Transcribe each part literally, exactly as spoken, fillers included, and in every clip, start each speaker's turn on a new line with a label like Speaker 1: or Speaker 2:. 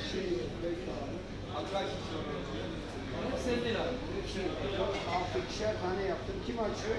Speaker 1: Şey, bekle abi.
Speaker 2: Sen değil abi.
Speaker 1: Altı ikişer tane yaptım. Kim açıyor?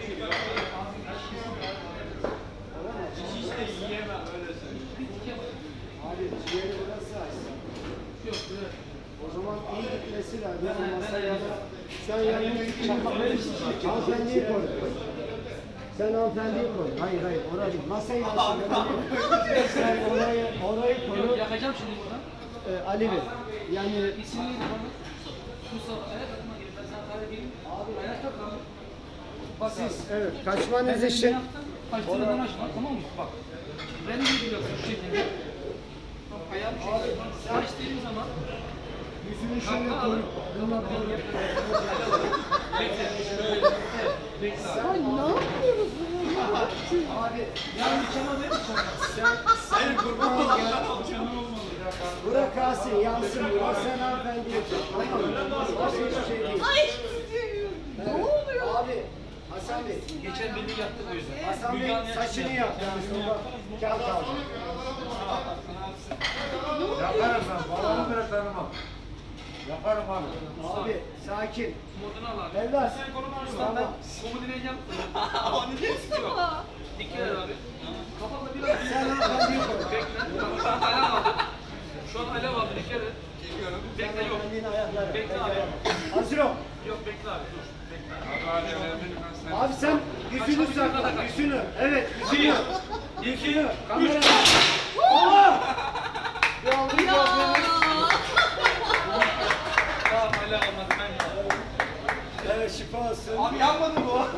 Speaker 1: Olamaz.
Speaker 2: Hiç de yiyemem öyle söyleyeyim.
Speaker 1: Abi ciğeri burası açsın.
Speaker 2: Yok böyle.
Speaker 1: O zaman iyi gitmesi lazım. Masaya da sen yanına git. Hanımefendiyi koy. Sen hanımefendiyi koy. Hayır hayır oraya değil. Masayı alsın. Sen orayı, orayı koy.
Speaker 2: Yakacağım şimdi buradan.
Speaker 1: Ee, Ali Bey. Yani
Speaker 2: İsim neydi bana? Mustafa. Evet. Ben sana tarih vereyim. Abi ayakta kal. Bak
Speaker 1: siz
Speaker 2: abi.
Speaker 1: evet kaçmanız
Speaker 2: Ben
Speaker 1: için
Speaker 2: kaçtığından açma tamam mı? Bak. Ben de biliyorsun şu şekilde. Bak ayağım şu şekilde. Açtığım zaman
Speaker 1: yüzünü şöyle koy. Bununla koy.
Speaker 2: bekle. Şöyle. Evet. Bekle abi.
Speaker 3: Ay ne yapıyoruz bunu?
Speaker 1: Abi
Speaker 2: Ya mükemmel değil mi?
Speaker 1: sen sen kurban ol ya. Burak kalsın yansın. Burak sen hanımefendiye koy. Tamam mı? Başka hiçbir şey değil.
Speaker 3: Ay ne oluyor?
Speaker 1: Abi Hasan Bey.
Speaker 2: Geçen beni yaptık o yüzden.
Speaker 1: Hasan Bey saçını yap. Yani sonra kağıt al.
Speaker 4: Yaparım ben. Babamı bile tanımam. Yaparım abi.
Speaker 1: Abi sakin.
Speaker 2: Modunu al abi.
Speaker 1: Evlat.
Speaker 2: Sen konumu al.
Speaker 1: Tamam.
Speaker 2: Ben komu dinleyeceğim. Onu ne istiyor? Dikkat et abi. Kafamda biraz...
Speaker 1: Sen hanımefendiyi koy.
Speaker 2: Bekle. Alev aldı. Şu an alev aldı. Dikkat et. Çekiyorum. Bekle yok.
Speaker 1: Hanımefendinin ayakları.
Speaker 2: Bekle abi.
Speaker 1: Hazır ol.
Speaker 2: Yok bekle abi. Dur. Bekle.
Speaker 1: Abi sen yüzünü sakla. Yüzünü. Evet yüzünü. Yüzünü. Kamera. Allah! Bir aldım.
Speaker 3: Ya.
Speaker 2: Tamam alev almadı. Ben
Speaker 1: Evet şifa olsun.
Speaker 2: Abi yanmadı bu.